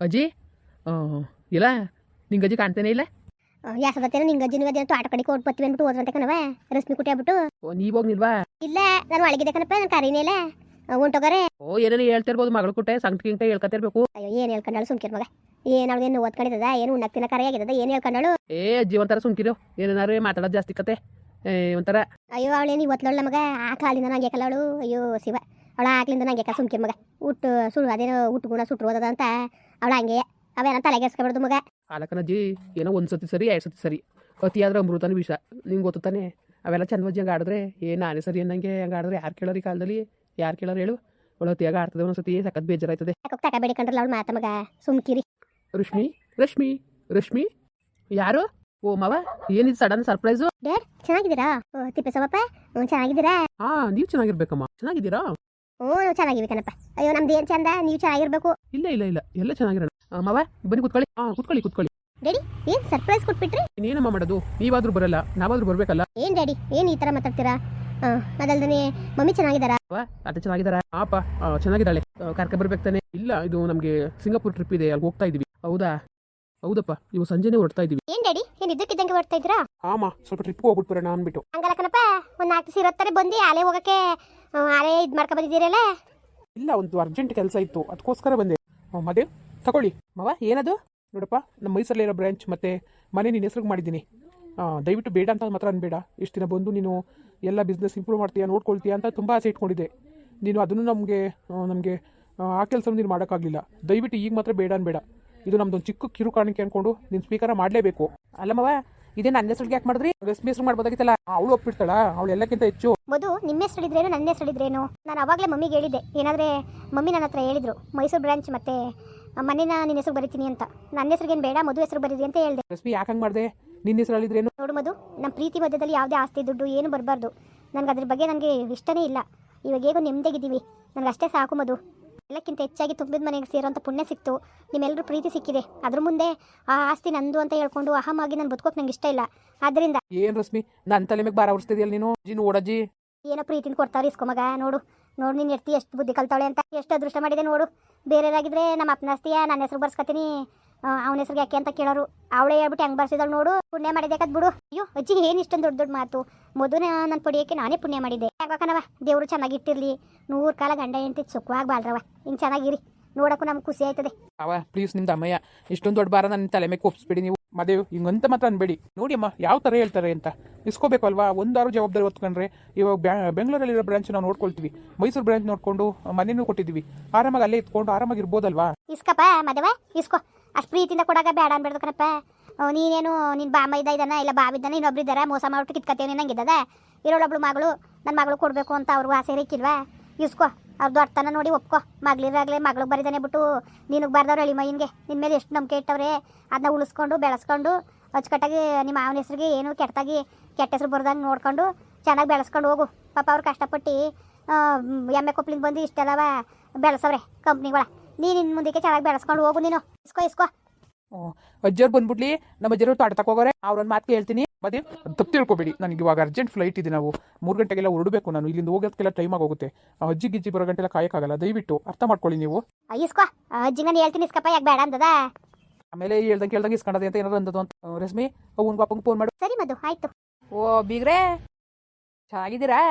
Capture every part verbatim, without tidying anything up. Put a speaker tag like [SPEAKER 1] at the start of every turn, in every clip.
[SPEAKER 1] ಅಜ್ಜಿ ಇಲ್ಲ ನಿಂಗೆ ಅಜ್ಜಿ ಕಾಣ್ತೇನೆ ಇಲ್ಲ
[SPEAKER 2] ಯಾಸದತ್ತೇನೋ ನಿಂಗೆ ಅಜ್ಜಿ ನಿಂಗೆ ತೋಟ ಕಡೆ ಕೊಟ್ಟು ಬತ್ತೀವಿ ಅಂದ್ಬಿಟ್ಟು ಹೋದ್ರಂತೆ ಕಣವ ರಶ್ಮಿ ಕುಟ್ಟಿ ಆಗ್ಬಿಟ್ಟು
[SPEAKER 1] ಓ ನೀವು ಹೋಗ್ನಿಲ್ವಾ
[SPEAKER 2] ಇಲ್ಲ ನಾನು ಒಳಗಿದೆ ಕಣಪ್ಪ ನಾನು ಕರೀನೇ ಇಲ್ಲ ಹೊಂಟೋಗಾರೆ
[SPEAKER 1] ಓ ಏನೇನು ಹೇಳ್ತಿರ್ಬೋದು ಮಗಳು ಕುಟ್ಟೆ ಸಂಕಟ ಗಿಂಟ ಹೇಳ್ಕೊತಿರ್ಬೇಕು
[SPEAKER 2] ಅಯ್ಯೋ ಏನು ಹೇಳ್ಕೊಂಡಳು ಸುಮ್ಕಿರ್ ಮಗ ಏನು ಅವಳು ಏನು ಓದ್ಕೊಂಡಿದ್ದದ ಏನು ಉಣ್ಣಕ್ ತಿನ್ನ ಕರೆ ಆಗಿದ್ದದ ಏನು ಹೇಳ್ಕೊಂಡಳು
[SPEAKER 1] ಏ ಅಜ್ಜಿ ಒಂಥರ ಸುಮ್ಕಿರು ಏನಾರು ಮಾತಾಡೋದು ಜಾಸ್ತಿ ಕತೆ ಏ ಒಂಥರ
[SPEAKER 2] ಅಯ್ಯೋ ಅವಳೇನು ಇವತ್ತುಳ್ಳ ಮಗ ಆ ಕಾಲಿಂದ ನಂಗೆ ಕಲ್ಲವಳು ಅಯ್ಯೋ ಶಿವ ಅವಳ ಆಗ್ಲಿಂದ ನಂಗೆ ಕ ಸುಮ್ಕಿರ್ ಮಗ ಹುಟ್ಟು ಸುಳ್ಳು ಅದೇನೋ ಹುಟ್ಟು ಗುಣ ಸುಟ್ಟು ಓದದ ಅಂತ ಅವಳ ಹಂಗೆ ಅವೇನ ತಲೆಗೆಸ್ಕೊಬಾರ್ದು ಮಗ
[SPEAKER 1] ಆಲಕನಜ್ಜಿ ಏನೋ ಒಂದು ಸತಿ ಸರಿ ಎರಡು ಸತಿ ಸರಿ ಅತಿಯಾದ್ರೆ ಅಮೃತನ ವಿಷ ನಿಂಗೆ ಗೊತ್ತು ತಾನೆ ಅವೆಲ್ಲ ಚಂದವಜ್ಜಿ ಹಂಗೆ ಆಡಿದ್ರೆ ಏ ನಾನೇ ಸರಿ ಅನ್ನಂಗೆ ಹಂಗೆ ಆಡಿದ್ರೆ ಯಾರು ಕೇಳೋರು ಈ ಕಾಲದಲ್ಲಿ ಯಾರು ಕೇಳೋರು ಹೇಳು ಒಳ್ಳೆ ಹೊತ್ತಿಯಾಗ ಆಡ್ತದೆ ಒಂದ್ಸತಿ ಸಖತ್ ಬೇಜಾರಾಯ್ತದೆ
[SPEAKER 2] ಯಾಕೆ ತಕ ಬೇಡಿಕೊಂಡ್ರಲ್ಲ ಅವಳು ಮಾತ ಮಗ ಸುಮ್ಕಿರಿ
[SPEAKER 1] ರಶ್ಮಿ ರಶ್ಮಿ ರಶ್ಮಿ ಯಾರು ಓ ಮಾವ ಏನಿದು ಸಡನ್ ಸರ್ಪ್ರೈಸು
[SPEAKER 2] ಡ್ಯಾಡ್ ಚೆನ್ನಾಗಿದ್ದೀರಾ ಓ ತಿಪ್ಪೇಸವಪ್ಪ ಹ್ಞೂ ಚೆನ್ನಾಗಿದ್ದೀರಾ
[SPEAKER 1] ಹಾ ನೀವು ಚೆನ್ನಾಗಿರ್ಬೇಕಮ್ಮ ಚೆನ್ನಾಗಿದ್ದೀರಾ
[SPEAKER 2] ಹ್ಞೂ ನಾವು ಚೆನ್ನಾಗಿವಿ ಕಣಪ್ಪ ಅಯ್ಯೋ ನಮ್ದು ಏನು ಚಂದ ನೀವು ಚೆನ್ನಾಗಿರ್ಬೇಕು
[SPEAKER 1] ಇಲ್ಲ ಇಲ್ಲ ಇಲ್ಲ ಎಲ್ಲ ಚೆನ್ನಾಗಿರೋಣ ಮಾವ ಬನ್ನಿ ಕುತ್ಕೊಳ್ಳಿ ಹಾ ಕುತ್ಕೊಳ್ಳಿ ಕುತ್ಕೊಳ್ಳಿ
[SPEAKER 2] ಡ್ಯಾಡಿ ಏನು ಸರ್ಪ್ರೈಸ್ ಕೊಟ್ಬಿಟ್ರಿ
[SPEAKER 1] ಇನ್ನೇನಮ್ಮ ಮಾಡೋದು ನೀವಾದ್ರೂ ಬರಲ್ಲ ನಾವಾದ್ರೂ ಬರ್ಬೇಕಲ್ಲ
[SPEAKER 2] ಏನು ಡ್ಯಾಡಿ ಏನು ಈ ಥರ ಮಾತಾಡ್ತೀರಾ ಹಾಂ ಅದಲ್ದೇ ಮಮ್ಮಿ ಚೆನ್ನಾಗಿದ್ದಾರಾ
[SPEAKER 1] ಅತ್ತೆ ಚೆನ್ನಾಗಿದ್ದಾರಾ ಪಾಪ ಚೆನ್ನಾಗಿದ್ದಾಳೆ ಕರ್ಕ ಬರ್ಬೇಕು ತಾನೆ ಇಲ್ಲ ಇದು ನಮಗೆ ಸಿಂಗಾಪುರ್ ಟ್ರಿಪ್ ಇದೆ ಅಲ್ಲಿ ಹೋಗ್ತಾ ಇದೀವಿ ಹೌದಾ ಹೌದಪ್ಪ ಇವು ಸಂಜೆನೆ ಹೊರಡ್ತಾ ಇದೀವಿ
[SPEAKER 2] ಏನು ಡ್ಯಾಡಿ ಏನು ಇದ್ದಕ್ಕಿದ್ದಂಗೆ ಹೊರಡ್ತಾ ಇದ್ದೀರಾ
[SPEAKER 1] ಆಮ ಸ್ವಲ್ಪ ಟ್ರಿಪ್ ಹೋಗ್ಬಿಟ್ಟು ಬರೋಣ ಅಂದ್ಬಿಟ್ಟು
[SPEAKER 2] ಹಂಗಲ್ಲ ಕಣಪ್ಪ ಒಂದು ನಾಲ್ಕು ಸಿರತ್ತಾರೆ ಬಂದು ಆಲೆ ಹೋಗಕ್ಕೆ ಆಲೆ ಇದು ಮಾಡ್ಕೊ ಬಂದಿದ್ದೀರಲ್ಲ
[SPEAKER 1] ಇಲ್ಲ ಒಂದು ಅರ್ಜೆಂಟ್ ಕೆಲಸ ಇತ್ತು ಅದಕ್ಕೋಸ್ಕರ ಬಂದೆ ಮದೇವ್ ತಗೊಳ್ಳಿ ಮಾವ ಏನದು ನೋಡಪ್ಪ ನಮ್ಮ ಮೈಸೂರಲ್ಲಿರೋ ಬ್ರಾಂಚ್ ಮತ್ತೆ ಮನೆ ನಿನ್ನ ಹೆಸ್ರಿಗೆ ಮಾಡಿದ್ದೀನಿ ದಯವಿಟ್ಟು ಬೇಡ ಅಂತ ಮಾತ್ರ ಅನ್ಬೇಡ ಇಷ್ಟು ದಿನ ಬಂದು ನೀನು ಎಲ್ಲ ಬಿಸ್ನೆಸ್ ಇಂಪ್ರೂವ್ ಮಾಡ್ತೀಯಾ ನೋಡ್ಕೊಳ್ತೀಯಾ ಅಂತ ತುಂಬ ಆಸೆ ಇಟ್ಕೊಂಡಿದ್ದೆ ನೀನು ಅದನ್ನು ನಮಗೆ ನಮಗೆ ಆ ಕೆಲಸ ನೀನು ಮಾಡೋಕ್ಕಾಗಲಿಲ್ಲ ದಯವಿಟ್ಟು ಈಗ ಮಾತ್ರ ಬೇಡ ಅನ್ಬೇಡ ಇದು ನಮ್ದೊಂದು ಚಿಕ್ಕ ಕಿರು ಕಾಣಿಕೆ ಅಂದ್ಕೊಂಡು ನೀನು ಸ್ವೀಕಾರ ಮಾಡಲೇಬೇಕು ಅಲ್ಲ ಮಾವ ಇದೇ ನನ್ನ ಹೆಸರಿಗೆ ಯಾಕೆ ಮಾಡಿದ್ರಿ ರಶ್ಮಿ ಹೆಸರು ಮಾಡ್ಬೋದಾಗಿತ್ತಲ್ಲ ಅವಳು ಒಪ್ಪಿಡ್ತಾಳ ಅವಳು ಎಲ್ಲಕ್ಕಿಂತ ಹೆಚ್ಚು
[SPEAKER 2] ಮಧು ನಿಮ್ಮ ಹೆಸರು ಹಿಡಿದ್ರೇನು ನನ್ನ ಹೆಸರು ಹಿಡಿದ್ರೇನು ನಾನು ಅವಾಗಲೇ ಮಮ್ಮಿಗೆ ಹೇಳಿದ್ದೆ ಏನಾದರೆ ಮಮ್ಮಿ ನನ್ನ ಹತ್ರ ಹೇಳಿದ್ರು ಮೈಸೂರು ಬ್ರಾಂಚ್ ಮತ್ತೆ ಮನೇನ ನಿನ್ನ ಹೆಸರು ಬರಿತೀನಿ ಅಂತ ನನ್ನ ಹೆಸರಿಗೇನು ಬೇಡ ಮಧು ಹೆಸರು ಬರೀರಿ ಅಂತ ಹೇಳಿದೆ
[SPEAKER 1] ರಶ್ಮಿ ಯಾಕೆ ಹಂಗೆ ಮಾಡಿದೆ ನಿನ್ನ ಹೆಸರು ಹೇಳಿದ್ರೇನು
[SPEAKER 2] ನೋಡು ಮಧು ನಮ್ಮ ಪ್ರೀತಿ ಮಧ್ಯದಲ್ಲಿ ಯಾವುದೇ ಆಸ್ತಿ ದುಡ್ಡು ಏನು ಬರಬಾರ್ದು ನನಗೆ ಅದ್ರ ಬಗ್ಗೆ ನನಗೆ ಇಷ್ಟನೇ ಇಲ್ಲ ಇವಾಗ ಹೇಗೋ ನೆಮ್ಮದಿಗಿದ್ದೀವಿ ನನಗೆ ಅಷ್ಟೇ ಸಾಕು ಮಧು ಎಲ್ಲಕ್ಕಿಂತ ಹೆಚ್ಚಾಗಿ ತುಂಬಿದ ಮನೆಗೆ ಸೇರೋಂಥ ಪುಣ್ಯ ಸಿಕ್ತು ನಿಮ್ಮೆಲ್ಲರೂ ಪ್ರೀತಿ ಸಿಕ್ಕಿದೆ ಅದ್ರ ಮುಂದೆ ಆ ಆಸ್ತಿ ನಂದು ಅಂತ ಹೇಳ್ಕೊಂಡು ಅಹಮಾಗಿ ನಾನು ಬದುಕೋಕೆ ನಂಗೆ ಇಷ್ಟ ಇಲ್ಲ ಆದ್ದರಿಂದ
[SPEAKER 1] ಏನು ರಶ್ಮಿ ನನ್ನ ತಲೆ ಮೇಲೆ ಬಾರ ಹೊರಿಸ್ತಿದ್ಯಲ್ಲ ನೀನು ಜಿನ್ ಓಡಜ್ಜಿ
[SPEAKER 2] ಏನೋ ಪ್ರೀತಿನ ಕೊಡ್ತಾವ್ರಿ ಇಸ್ಕೊ ಮಗ ನೋಡು ನೋಡು ನೀನು ಎಡ್ತಿ ಎಷ್ಟು ಬುದ್ಧಿ ಕಲ್ತಾವಳೆ ಅಂತ ಎಷ್ಟು ಅದೃಷ್ಟ ಮಾಡಿದೆ ನೋಡು ಬೇರೆಯವರಾಗಿದ್ರೆ ನಮ್ಮ ಅಪ್ಪನ ಆಸ್ತಿಯ ನನ್ನ ಹೆಸರು ಬರ್ಸ್ಕೊತೀನಿ ಅವನ ಹೆಸರಿಗೆ ಯಾಕೆ ಅಂತ ಕೇಳೋರು ಅವಳೇ ಹೇಳ್ಬಿಟ್ಟು ಹೆಂಗೆ ಬರ್ಸಿದಳು ನೋಡು ಪುಣ್ಯ ಮಾಡಿದ್ಯಾಕದ್ ಬಿಡು ಅಯ್ಯೋ ಅಜ್ಜಿ ಏನು ಇಷ್ಟೊಂದು ದೊಡ್ಡ ದೊಡ್ಡ ಮಾತು ಮೊದಲು ನನ್ನ ಪಡಿಯೋಕ್ಕೆ ನಾನೇ ಪುಣ್ಯ ಮಾಡಿದ್ದೆ ಯಾಕನವ ದೇವರು ಚೆನ್ನಾಗಿಟ್ಟಿರ್ಲಿ ನೂರು ಕಾಲ ಗಂಡ ಹೆಂಡತಿ ಸುಖವಾಗಿ ಬಾಳ್ರವ ಹಿಂಗೆ ಚೆನ್ನಾಗಿರಿ ನೋಡಕ್ಕೂ ನಮ್ಗೆ ಖುಷಿ ಆಯ್ತದೆ
[SPEAKER 1] ಅವ ಪ್ಲೀಸ್ ನಿಮ್ದು ಅಮ್ಮಯ್ಯ ಇಷ್ಟೊಂದು ದೊಡ್ಡ ಬಾರ ನನ್ನ ತಲೆ ಮೇಲೆ ಕೊಪ್ಸ್ಬಿಡಿ ನೀವು ಮದೇವ್ ಹಿಂಗಂತ ಮಾತ್ರ ಅನ್ಬೇಡಿ ನೋಡಿ ಅಮ್ಮ ಯಾವ ಥರ ಹೇಳ್ತಾರೆ ಅಂತ ಇಸ್ಕೋಬೇಕು ಅಲ್ವಾ ಒಂದಾರು ಜವಾಬ್ದಾರಿ ಹೊತ್ಕೊಂಡ್ರೆ ಇವಾಗ ಬ್ಯಾ ಬೆಂಗಳೂರಲ್ಲಿರೋ ಬ್ರಾಂಚ್ ನಾವು ನೋಡ್ಕೊಳ್ತೀವಿ ಮೈಸೂರು ಬ್ರಾಂಚ್ ನೋಡ್ಕೊಂಡು ಮನೇನೂ ಕೊಟ್ಟಿದ್ದೀವಿ ಆರಾಮಾಗಿ ಅಲ್ಲೇ ಇತ್ಕೊಂಡು ಆರಾಮಾಗಿ ಇರ್ಬೋದಲ್ವಾ
[SPEAKER 2] ಇಸ್ಕಪ್ಪ ಮದವ ಇಸ್ಕೋ ಅಷ್ಟು ಪ್ರೀತಿಯಿಂದ ಕೊಡಾಗ ಬೇಡ ಅನ್ಬೇಡ್ದು ಕಣಪ್ಪ ನೀನೇನು ನಿನ್ನ ಬಾಮ ಇದ್ದ ಇದ್ದಾನ ಇಲ್ಲ ಬಾವಿದ್ದಾನೆ ಇನ್ನೊಬ್ರು ಇದ್ದಾರ ಮೋಸ ಮಾಡ್ಬಿಟ್ಟು ಕಿತ್ಕತ್ತೇನೆ ನಂಗಿದ್ದದ ಇರೋಳೊಬ್ಳು ಮಗಳು ನನ್ನ ಮಗಳು ಕೊಡಬೇಕು ಅಂತ ಅವ್ರಿಗೂ ಆಸೆ ಇರಕ್ಕಿಲ್ವಾ ಇಸ್ಕೋ ಅವ್ರದ್ದು ಅರ್ಥನ ನೋಡಿ ಒಪ್ಕೋ ಮಗಳಿರಾಗಲೇ ಮಗಳಿಗೆ ಬರಿದಾನೆ ಬಿಟ್ಟು ನಿನಗೆ ಬರ್ದವ್ರು ಎಳಿ ಮೈನ್ಗೆ ನಿನ್ನ ಮೇಲೆ ಎಷ್ಟು ನಂಬಿಕೆ ಇಟ್ಟವ್ರೆ ಅದನ್ನ ಉಳಿಸ್ಕೊಂಡು ಬೆಳೆಸ್ಕೊಂಡು ಅಚ್ಚುಕಟ್ಟಾಗಿ ನಿಮ್ಮ ಮಾವನ ಹೆಸ್ರಿಗೆ ಏನು ಕೆಟ್ಟದಾಗಿ ಕೆಟ್ಟ ಹೆಸರು ಬರ್ದಂಗೆ ನೋಡ್ಕೊಂಡು ಚೆನ್ನಾಗಿ ಬೆಳೆಸ್ಕೊಂಡು ಹೋಗು ಪಾಪ ಅವ್ರು ಕಷ್ಟಪಟ್ಟು ಎಮ್ಮೆ ಕೊಪ್ಪಲಿಂದ ಬಂದು ಇಷ್ಟೆಲ್ಲವ ಬೆಳೆಸವ್ರೆ ಕಂಪ್ನಿಗಳ ನೀನು ಇನ್ನು ಮುಂದಕ್ಕೆ ಚೆನ್ನಾಗಿ ಬೆಳೆಸ್ಕೊಂಡು ಹೋಗು ನೀನು ಇಸ್ಕೋ ಇಸ್ಕೋ
[SPEAKER 1] ಅಜ್ಜವ್ರು ಬಂದ್ಬಿಡ್ಲಿ ನಮ್ಮ ಅಜ್ಜರು ತೋಟ ತಗೋರೆ ಅವ್ರೊಂದು ಮಾತು ಹೇಳ್ತೀನಿ ಮತ್ತೆ ತಪ್ಪು ತಿಳ್ಕೊಬೇಡಿ ನನಗೆ ಇವಾಗ ಅರ್ಜೆಂಟ್ ಫ್ಲೈಟ್ ಇದೆ ನಾವು ಮೂರು ಗಂಟೆಗೆಲ್ಲ ಹೊರಡಬೇಕು ನಾನು ಇಲ್ಲಿಂದ ಹೋಗೋದಕ್ಕೆಲ್ಲ ಟೈಮ್ ಆಗೋಗುತ್ತೆ ಅಜ್ಜಿ ಗಿಜ್ಜಿ ಬರೋ ಗಂಟೆಲ್ಲ ಕಾಯಕ್ಕಾಗಲ್ಲ ದಯವಿಟ್ಟು ಅರ್ಥ ಮಾಡ್ಕೊಳ್ಳಿ ನೀವು
[SPEAKER 2] ಇಸ್ಕೋ ಅಜ್ಜಿ ನಾನು ಹೇಳ್ತೀನಿ ಇಸ್ಕಪ್ಪ ಯಾಕೆ ಬೇಡ ಅಂತದ
[SPEAKER 1] ಆಮೇಲೆ ಹೇಳ್ದಂಗೆ ಕೇಳ್ದಂಗೆ ಇಸ್ಕೊಂಡದೆ ಅಂತ ಏನಾದ್ರು ಅಂದದು ಅಂತ ರಶ್ಮಿ ಅವ್ನ ಪಾಪಂಗೆ ಫೋನ್ ಮಾಡು
[SPEAKER 2] ಸರಿ ಮಧು ಆಯ್ತು
[SPEAKER 1] ಓ ಬೀಗ್ರೆ ಚೆನ್ನಾಗಿದ್ದೀರಾ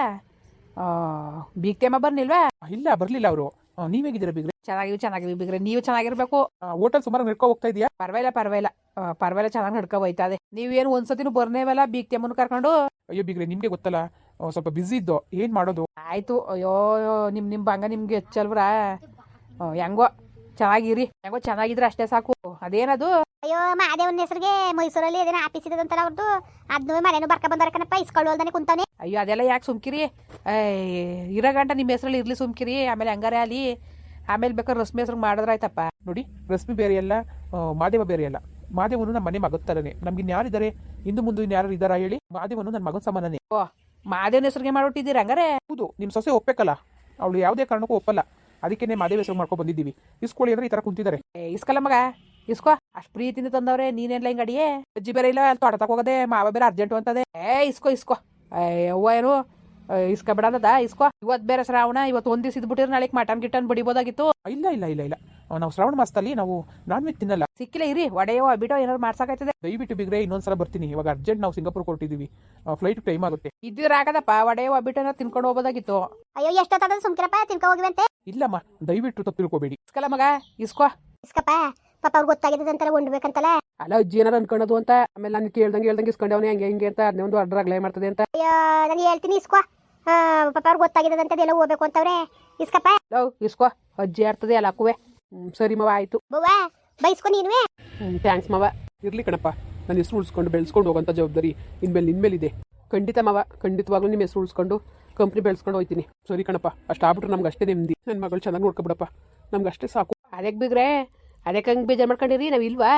[SPEAKER 1] ಬೀಗ್ತೇಮ ಬರ್ನಿಲ್ವಾ ಇಲ್ಲ ಬರಲಿಲ್ಲ ಅವರು ನೀವ್ ಹೇಗಿದ್ದೀರಾ ಬೀಗ್ರೆ ಚೆನ್ನಾಗಿವಿ ಚೆನ್ನಾಗಿವಿ ಬೀಗ್ರೆ ನೀವು ಚೆನ್ನಾಗಿರ್ಬೇಕು ಹೋಟೆಲ್ ಸುಮಾರು ನಡ್ಕೊ ಹೋಗ್ತಾ ಇದೆಯಾ ಪರವಾಗಿಲ್ಲ ಪರವಾಗಿಲ್ಲ ಪರವಾಗಿಲ್ಲ ಚೆನ್ನಾಗಿ ನಡ್ಕೊ ಹೋಯ್ತಾ ಇದೆ ನೀವೇನು ಒಂದ್ಸತಿನೂ ಬರ್ನೇವಲ್ಲ ಬೀಗ್ತೇಮನ್ನು ಕರ್ಕೊಂಡು ಅಯ್ಯೋ ಬೀಗ್ರೆ ನಿಮ್ಗೆ ಗೊತ್ತಲ್ಲ ಸ್ವಲ್ಪ ಬಿಸಿ ಇದ್ದು ಏನ್ ಮಾಡೋದು ಆಯ್ತು ಅಯ್ಯೋ ನಿಮ್ ನಿಮ್ ಬಂಗ ನಿಮ್ಗೆ ಹೆಚ್ಚಲ್ವ್ರಾ ಹೆಂಗೋ ಚೆನ್ನಾಗಿರಿ ಹೆಂಗೋ ಚೆನ್ನಾಗಿದ್ರೆ ಅಷ್ಟೇ ಸಾಕು ಅದೇನದು
[SPEAKER 2] ಅಯ್ಯೋ ಮಾದೇವನ ಹೆಸರಿಗೆ ಮೈಸೂರಲ್ಲಿ ಅದೇನೋ ಆಫೀಸ್ ಇದಂತಲ್ಲ ಅವ್ರದ್ದು ಅದನ್ನೂ ಮನೇನು ಬರ್ಕ ಬಂದಾರ ಕಣಪ್ಪ ಇಸ್ಕೊಳ್ಳೋಲ್ದಾನೆ ಕುಂತಾನೆ
[SPEAKER 1] ಅಯ್ಯೋ ಅದೆಲ್ಲ ಯಾಕೆ ಸುಮ್ಕಿರಿ ಇರೋ ಗಂಟ ನಿಮ್ಮ ಹೆಸರಲ್ಲಿ ಇರ್ಲಿ ಸುಮ್ಕಿರಿ ಆಮೇಲೆ ಹಂಗಾರೆ ಅಲ್ಲಿ ಆಮೇಲೆ ಬೇಕಾದ್ರೆ ರಶ್ಮಿ ಹೆಸರು ಮಾಡಿದ್ರಾಯ್ತಪ್ಪ ನೋಡಿ ರಶ್ಮಿ ಬೇರೆ ಅಲ್ಲ ಮಾದೇವ ಬೇರೆ ಅಲ್ಲ ಮಾದೇವನು ನಮ್ಮ ಮನೆ ಮಗದ ಥರನೇ ನಮ್ಗೆ ಇನ್ಯಾರಿದ್ದಾರೆ ಇಂದು ಮುಂದೆ ಇನ್ಯಾರು ಇದ್ದಾರಾ ಹೇಳಿ ಮಾದೇವನು ನನ್ನ ಮಗನ ಸಮಾನನೇ ಓ ಮಾದೇವನ ಹೆಸರಿಗೆ ಮಾಡ್ಬಿಟ್ಟಿದ್ದೀರ ಹಂಗಾರೆ ಹೌದು ನಿಮ್ಮ ಸೊಸೆ ಒಪ್ಪಬೇಕಲ್ಲ ಅವಳು ಯಾವುದೇ ಕಾರಣಕ್ಕೂ ಒಪ್ಪಲ್ಲ ಅದಕ್ಕೆ ಮಾದೇವ ಹೆಸರು ಮಾಡ್ಕೊಂಡು ಬಂದಿದ್ದೀವಿ ಇಸ್ಕೊಳ್ಳಿ ಅಂದ್ರೆ ಈ ಥರ ಕುಂತಿದ್ದಾರೆ ಇಸ್ಕಲ್ಲ ಮಗ ಇಸ್ಕೋ ಅಷ್ಟು ಪ್ರೀತಿಯಿಂದ ತಂದವ್ರೆ ನೀನೆಲ್ಲ ಹಿಂಗೆ ಅಡಿಯೇ ಅಜ್ಜಿ ಬೇರೆ ಇಲ್ಲ ಅಲ್ಲಿ ತೋಟ ತಗೋದೆ ಮಾವ ಬೇರೆ ಅರ್ಜೆಂಟು ಅಂತದೆ ಏ ಇಸ್ಕೋ ಇಸ್ಕೋ ಅವ್ವ ಏನು ಇಸ್ಕೊಬಿಡದ ಇಸ್ಕೋ ಇವತ್ತು ಬೇರೆ ಶ್ರಾವಣ ಇವತ್ತು ಒಂದು ದಿವಸ ಇದ್ಬಿಟ್ಟಿದ್ರೆ ನಾಳೆ ಮಟನ್ ಗಿಟನ್ ಬಡಿಬೋದಾಗಿತ್ತು ಇಲ್ಲ ಇಲ್ಲ ಇಲ್ಲ ಇಲ್ಲ ನಾವು ಶ್ರಾವಣ ಮಾಸದಲ್ಲಿ ನಾವು ನಾನ್ ವೆಜ್ ತಿನ್ನಲ್ಲ. ಸಿಕ್ಕಿಲ್ಲ ಇರಿ, ಒಡೆಯೋ ಬಿಡೋ ಏನಾದ್ರು ಮಾಡ್ಸಕ್ಕಾಯ್ತದೆ. ದಯವಿಟ್ಟು ಬಿಗ್ರೆ ಇನ್ನೊಂದ್ಸಲ ಬರ್ತೀನಿ. ಇವಾಗ ಅರ್ಜೆಂಟ್ ನಾವು ಸಿಂಗಾಪುರ್ ಕೊಟ್ಟಿದ್ದೀವಿ, ಫ್ಲೈಟ್ ಟೈಮ್ ಆಗುತ್ತೆ. ಇದ್ದಿದ್ರೆ ಆಗದಪ್ಪ, ಒಡೆಯೋ ಬಿಟ್ಟು ಏನಾದ್ರು ತಿನ್ಕೊಂಡು ಹೋಗೋದಾಗಿತ್ತು.
[SPEAKER 2] ಅಯ್ಯೋ ಎಷ್ಟೊತ್ತಾದ ಸುಮ್ಕಿರಪ್ಪ, ತಿನ್ಕೊ ಹೋಗಿವಂತೆ.
[SPEAKER 1] ಇಲ್ಲಮ್ಮ, ದಯವಿಟ್ಟು ತಪ್ಪು ತಿಳ್ಕೊಬೇಡಿ. ಇಸ್ಕಲ್ಲ ಮಗ, ಇಸ್ಕೋ
[SPEAKER 2] ಇಸ್ಕಪ್ಪ. ಪಾಪ ಅವ್ರಿಗೆ ಗೊತ್ತಾಗಿದೆ ಅಂತೆಲ್ಲ ಉಂಡ್ಬೇಕಂತಲ್ಲ.
[SPEAKER 1] ಅಲ್ಲ ಅಜ್ಜಿ ಏನಾರು ಅನ್ಕೊಳ್ಳೋದು ಅಂತ. ಆಮೇಲೆ ನಾನು ಕೇಳ್ದಂಗೆ ಹೇಳ್ದಂಗೆ ಇಸ್ಕೊಂಡವನೇ ಹಂಗೆ ಹಿಂಗೆ ಅಂತ ಅದನ್ನೇ ಒಂದು ಅಡ್ರ ಅಗ್ಲೇ ಮಾಡ್ತದೆ ಅಂತ.
[SPEAKER 2] ಅಯ್ಯೋ ನಾನು ಹೇಳ್ತೀನಿ ಇಸ್ಕೋ. ಪಾಪ ಅವ್ರಿಗೆ ಗೊತ್ತಾಗಿದೆ ಅಂತ ಎಲ್ಲ ಹೋಗ್ಬೇಕು ಅಂತವ್ರೆ. ಇಸ್ಕಪ್ಪ.
[SPEAKER 1] ಲವ್ ಇಸ್ಕೋ, ಅಜ್ಜಿ ಆಡ್ತದೆ ಎಲ್ಲ ಹಾಕುವೆ. ಹ್ಞೂ ಸರಿ ಮವ, ಆಯಿತು.
[SPEAKER 2] ಬವ್ವ ಬೈಸ್ಕೊ ನೀನುವೆ.
[SPEAKER 1] ಹ್ಞೂ ಥ್ಯಾಂಕ್ಸ್ ಮವ. ಇರ್ಲಿ ಕಣಪ್ಪ, ನನ್ನ ಹೆಸರು ಉಳಿಸ್ಕೊಂಡು ಬೆಳೆಸ್ಕೊಂಡು ಹೋಗೋಂಥ ಜವಾಬ್ದಾರಿ ಇನ್ಮೇಲೆ ನಿನ್ಮೇಲಿದೆ. ಖಂಡಿತ ಮವ, ಖಂಡಿತವಾಗ್ಲೂ ನಿಮ್ಮ ಹೆಸರು ಉಳಿಸ್ಕೊಂಡು ಕಂಪ್ನಿ ಬೆಳೆಸ್ಕೊಂಡು ಹೋಗ್ತೀನಿ. ಸರಿ ಕಣಪ್ಪ, ಅಷ್ಟು ಆಗ್ಬಿಟ್ರೆ ನಮ್ಗೆ ಅಷ್ಟೇ ನೆಮ್ಮದಿ. ನನ್ನ ಮಗಳು ಚೆನ್ನಾಗಿ ನೋಡ್ಕೊಬಿಡಪ್ಪ, ನಮ್ಗೆ ಅಷ್ಟೇ ಸಾಕು. ಅದಕ್ಕೆ ಬಿಗ್ರೆ, ಅದಕ್ಕೆ ಹಂಗೆ ಬೇಜಾರು ಮಾಡ್ಕೊಂಡಿರಿ. ನಾವು ಇಲ್ವಾ?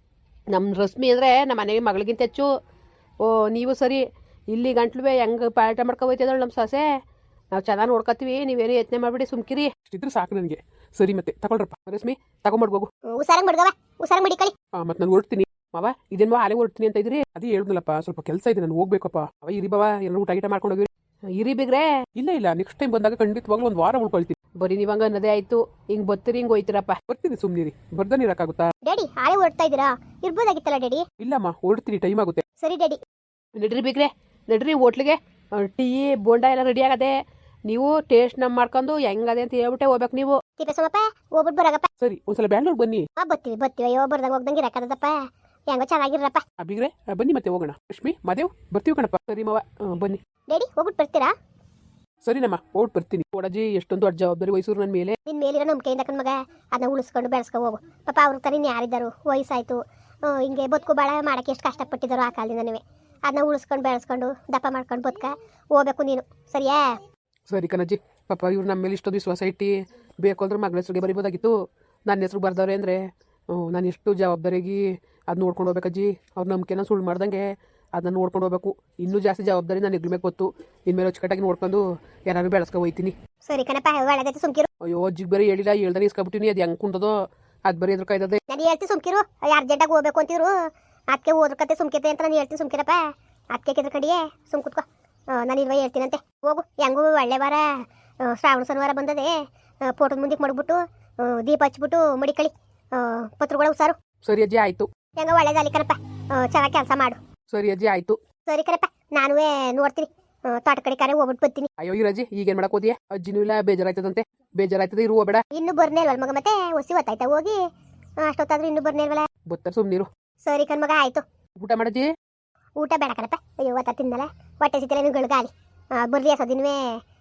[SPEAKER 1] ನಮ್ಮ ರಶ್ಮಿ ಅಂದರೆ ನಮ್ಮ ಮನೆಗೆ ಮಗಳಿಗಿಂತ ಹೆಚ್ಚು. ಓ ನೀವು ಸರಿ, ಇಲ್ಲಿ ಗಂಟ್ಲುವೆ ಹೆಂಗೆ ಪಾಠ ಮಾಡ್ಕೊಬೋಯ್ತದಳು ನಮ್ಮ ಸೊಸೆ. ನಾವು ಚೆನ್ನಾಗಿ ನೋಡ್ಕೊತೀವಿ, ನೀವೇನು ಯತ್ನೆ ಮಾಡಿಬಿಡಿ, ಸುಮ್ಕಿರಿ. ಇಷ್ಟಿದ್ರೆ ಸಾಕು ನನಗೆ. ಸರಿ ಮತ್ತೆ ತಗೊಳ್ರಪ್ಪ ರಶ್ಮಿ, ತಗೊಂಡ್ಬಿಡ್ಬೋಗು.
[SPEAKER 2] ಹುಷಾರಾಗಿ ಮಡ್ಗವ, ಹುಷಾರಾಗಿ ಮಡಿಕಳಿ.
[SPEAKER 1] ಹಾಂ ಮತ್ತೆ ನಾನು ಹೊರಡ್ತೀನಿ ಮಾವ. ಇದೇನು ಹಾಲೆ ಹೊರಡ್ತೀನಿ ಅಂತ ಇದ್ರಿ? ಅದೇ ಹೇಳಿದ್ನಲ್ಲಪ್ಪ, ಸ್ವಲ್ಪ ಕೆಲಸ ಇದೆ, ನಾನು ಹೋಗ್ಬೇಕಪ್ಪ. ಅವ ಇರಿ ಬಾವ, ಏನಾರು ಊಟ ಗೀಟ ಮಾಡ್ಕೊಂಡು ಹೋಗಿ. ಇರಿ ಬಿಗ್ರೆ. ಇಲ್ಲ ಇಲ್ಲ, ನೆಕ್ಸ್ಟ್ ಟೈಮ್ ಬಂದಾಗ ಖಂಡಿತವಾಗ್ಲೂ ಒಂದು ವಾರ ಉಳ್ಕೊಳ್ತೀನಿ. ಬರೀ ನೀವಂಗ ಅನ್ನೋದೇ ಆಯ್ತು. ಹಿಂಗೆ ಬರ್ತೀರಿ, ಹಿಂಗೆ ಹೋಯ್ತಿರಪ್ಪ. ಬರ್ತೀನಿ, ಸುಮ್ಮನಿರಿ. ಬರ್ದಾನೆ ಇರೋಕ್ಕಾಗುತ್ತಾ? ಡ್ಯಾಡಿ
[SPEAKER 2] ಹಾಳೆ ಹೊರಡ್ತಾ ಇದ್ದೀರಾ? ಇರ್ಬೋದಾಗಿತ್ತಲ್ಲ ಡ್ಯಾಡಿ.
[SPEAKER 1] ಇಲ್ಲಮ್ಮ, ಹೊರಡ್ತೀನಿ, ಟೈಮ್ ಆಗುತ್ತೆ.
[SPEAKER 2] ಸರಿ ಡ್ಯಾಡಿ.
[SPEAKER 1] ನಡ್ರಿ ಬಿಗ್ರೆ, ನಡ್ರಿ ಹೋಟ್ಲಿಗೆ. ಟೀ ಬೋಂಡ ಎಲ್ಲ ರೆಡಿ ಆಗದೆ. ನೀವು ಟೇಸ್ಟ್ ನಮ್ಮ ಮಾಡ್ಕೊಂಡು ಹೆಂಗದೆ ಅಂತ ಹೇಳ್ಬಿಟ್ಟೆ ಹೋಗ್ಬೇಕು ನೀವು.
[SPEAKER 2] ತಿಪ್ಪೇಸ್ವಾಮಪ್ಪ ಹೋಗ್ಬಿಟ್ಟು ಬರಾಗಪ್ಪ.
[SPEAKER 1] ಸರಿ, ಒಂದ್ಸಲ ಬ್ಯಾಂಗ್ಳೂರ್ ಬನ್ನಿ.
[SPEAKER 2] ಹಾ ಬರ್ತೀವಿ ಬರ್ತೀವಿ. ಅಯ್ಯೋ ಬರ್ದಾಗ ಹೋಗ್ದಂಗೆ ಇರಕ್ಕದಪ್ಪ. ಹೆಂಗೋ ಚೆನ್ನಾಗಿರಪ್ಪ.
[SPEAKER 1] ಬಿಗ್ರೆ ಬನ್ನಿ, ಮತ್ತೆ ಹೋಗೋಣ. ಲಕ್ಷ್ಮಿ ಮಾದೇವ್ ಬರ್ತೀವಿ ಕಣಪ್ಪ. ಸರಿ ಮಾವ, ಬನ್ನಿ.
[SPEAKER 2] ಡ್ಯಾಡಿ ಹೋಗ್ಬಿಟ್ಟು ಬರ್ತೀರಾ?
[SPEAKER 1] ಸರಿನಮ್ಮ, ಹೋಗ್ಬಿಟ್ಟು ಬರ್ತೀನಿ. ಓಡಾಜಿ ಎಷ್ಟೊಂದು ದೊಡ್ಡ ಜವಾಬ್ದಾರಿ ವಹಿಸೋರು ನನ್ನ ಮೇಲೆ.
[SPEAKER 2] ನಿನ್ನ ಮೇಲಿರೋ ನಂಬಿಕೆಯಿಂದ ಕಣ್ ಮಗ, ಅದನ್ನ ಉಳಿಸ್ಕೊಂಡು ಬೆಳೆಸ್ಕೊ ಹೋಗು. ಪಾಪ ಅವ್ರ ತರ ಇನ್ನು ಯಾರಿದ್ದಾರು, ವಯಸ್ಸಾಯ್ತು. ಹಿಂಗೆ ಬದುಕು ಬಾಳ ಮಾಡಕ್ಕೆ ಎಷ್ಟು ಕಷ್ಟಪಟ್ಟಿದ್ದಾರೋ ಆ ಕಾಲದಿಂದನೇ. ಅದನ್ನ ಉಳಿಸ್ಕೊಂಡು ಬೆಳೆಸ್ಕೊಂಡು ದಪ್ಪ ಮಾಡ್ಕೊಂಡು ಬದುಕ ಹೋಗ್ಬೇಕು ನೀನು, ಸರಿಯಾ?
[SPEAKER 1] ಸರಿ ಕಣಜ್ಜಿ. ಪಾಪ ಇವ್ರು ನಮ್ಮ ಮೇಲೆ ಇಷ್ಟೊಂದು ವಿಶ್ವಾಸ ಇಟ್ಟು ಬೇಕು ಅಂದ್ರೆ ಮಗಳ ಹೆಸರಿಗೆ ಬರಿಬೋದಾಗಿತ್ತು. ನನ್ನ ಹೆಸರು ಬರ್ದವ್ರೆ ಅಂದರೆ ನಾನು ಎಷ್ಟು ಜವಾಬ್ದಾರಿಗೆ ಅದು ನೋಡ್ಕೊಂಡು ಹೋಗ್ಬೇಕಜ್ಜಿ. ಅವ್ರ ನಂಬಿಕೆನ ಸುಳ್ಳು ಮಾಡ್ದಂಗೆ ಅದನ್ನ ನೋಡ್ಕೊಂಡು ಹೋಗ್ಬೇಕು. ಇನ್ನೂ ಜಾಸ್ತಿ ಜವಾಬ್ದಾರಿ ನಾನು ಇರ್ಬೇಕು ಗೊತ್ತು. ಇನ್ಮೇಲೆ ಅಚ್ಚುಕಟ್ಟಾಗಿ ನೋಡ್ಕೊಂಡು ಯಾರು ಬೆಳೆಸ್ಕೊ ಹೋಗ್ತೀನಿ.
[SPEAKER 2] ಸರಿ ಕಣಪ್ಪ, ಒಳ್ಳೆದೈತೆ ಸುಮ್ಕಿರು.
[SPEAKER 1] ಅಯ್ಯೋ ಅಜ್ಜಿಗೆ ಬೇರೆ ಹೇಳಿಲ್ಲ, ಹೇಳ್ದಾನೆ ಇಸ್ಕೊಬಿಟ್ಟಿನಿ. ಅದು ಹೆಂಗೆ ಕುಂತದೋ ಅದು ಬರೀ ಎದ್ರ ಕಾಯ್ದದೆ.
[SPEAKER 2] ನಾನು ಹೇಳ್ತೀನಿ ಸುಮ್ಕಿರು. ಅರ್ಜೆಂಟಾಗಿ ಹೋಗ್ಬೇಕು ಅಂತಿದ್ರು, ಅದಕ್ಕೆ ಹೋದ್ರ ಕತೆ ಸುಮ್ಕಿತೆ ಅಂತ ನಾನು ಹೇಳ್ತೀನಿ. ಸುಮ್ಕಿರಪ್ಪ, ಅದಕ್ಕೆ ಕೆದ್ರ ಕಡಿಯೇ ಸುಮ್ ಕುತ್ಕೋ. ನಾನು ಇಲ್ವ ಹೇಳ್ತೀನಂತೆ. ಹೋಗು, ಹೆಂಗೂ ಒಳ್ಳೆ ವಾರ ಶ್ರಾವಣ ಶನಿವಾರ ಬಂದದೆ. ಫೋಟೋದ ಮುಂದಕ್ಕೆ ಮಡಗ್ಬಿಟ್ಟು ದೀಪ ಹಚ್ಬಿಟ್ಟು ಮಡಿಕಳಿ ಪತ್ರಗಳ ಹುಷಾರು.
[SPEAKER 1] ಸರಿ ಅಜ್ಜಿ ಆಯಿತು.
[SPEAKER 2] ಹೆಂಗ ಒಳ್ಳೇದಾಗಲಿ ಕಣಪ್ಪ, ಚೆನ್ನಾಗಿ ಕೆಲಸ ಮಾಡು.
[SPEAKER 1] ಸರಿ ಅಜ್ಜಿ ಆಯಿತು.
[SPEAKER 2] ಸರಿ ಕಣಪ್ಪ, ನಾನು ನೋಡ್ತೀನಿ. ತೋಟ ಕಡೆ ಕರೆ ಹೋಗ್ಬಿಟ್ಟು ಬರ್ತೀನಿ.
[SPEAKER 1] ಅಯ್ಯೋ ಇರಜ್ಜಿ, ಈಗೇನು ಮಾಡಕ್ ಹೋದಿಯಾ? ಅಜ್ಜಿನೂ ಇಲ್ಲ, ಬೇಜಾರಾಯ್ತದಂತೆ. ಬೇಜಾರಾಯ್ತದೆ, ಇರುವ ಬೇಡ.
[SPEAKER 2] ಇನ್ನು ಬರ್ನೇ ಇಲ್ವಲ್ಲ ಮಗ? ಮತ್ತೆ ಹೊಸಿ ಹೊತ್ತಾಯ್ತಾ ಹೋಗಿ? ಅಷ್ಟೊತ್ತಾದ್ರೂ ಇನ್ನೂ ಬರ್ನೇ ಇಲ್ವಲ್ಲ?
[SPEAKER 1] ಬತ್ತರ ಸುಮ್ಮನಿರು.
[SPEAKER 2] ಸರಿ ಕಣ್ಮಗ, ಆಯ್ತು.
[SPEAKER 1] ಊಟ ಮಾಡಜ್ಜಿ?
[SPEAKER 2] ಊಟ ಬೇಡ ಕಣಪ್ಪ, ಅಯ್ಯೋ ಒತ್ತ ತಿನ್ನಲ್ಲ, ಹೊಟ್ಟೆ ಸಿತ್ತಿಲ್ಲ. ನೀವು ಗಳಿಗಾಲಿ ಬರ್ಲಿ ಅಸೋದಿನ್ವೇ.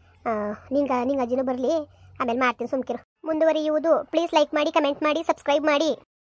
[SPEAKER 2] ನಿಂಗೆ ನಿಂಗೆ ಅಜ್ಜಿನೂ ಬರಲಿ, ಆಮೇಲೆ ಮಾಡ್ತೀನಿ ಸುಮ್ಕಿರು. ಮುಂದುವರಿಯುವುದು. ಪ್ಲೀಸ್ ಲೈಕ್ ಮಾಡಿ, ಕಮೆಂಟ್ ಮಾಡಿ, ಸಬ್ಸ್ಕ್ರೈಬ್ ಮಾಡಿ.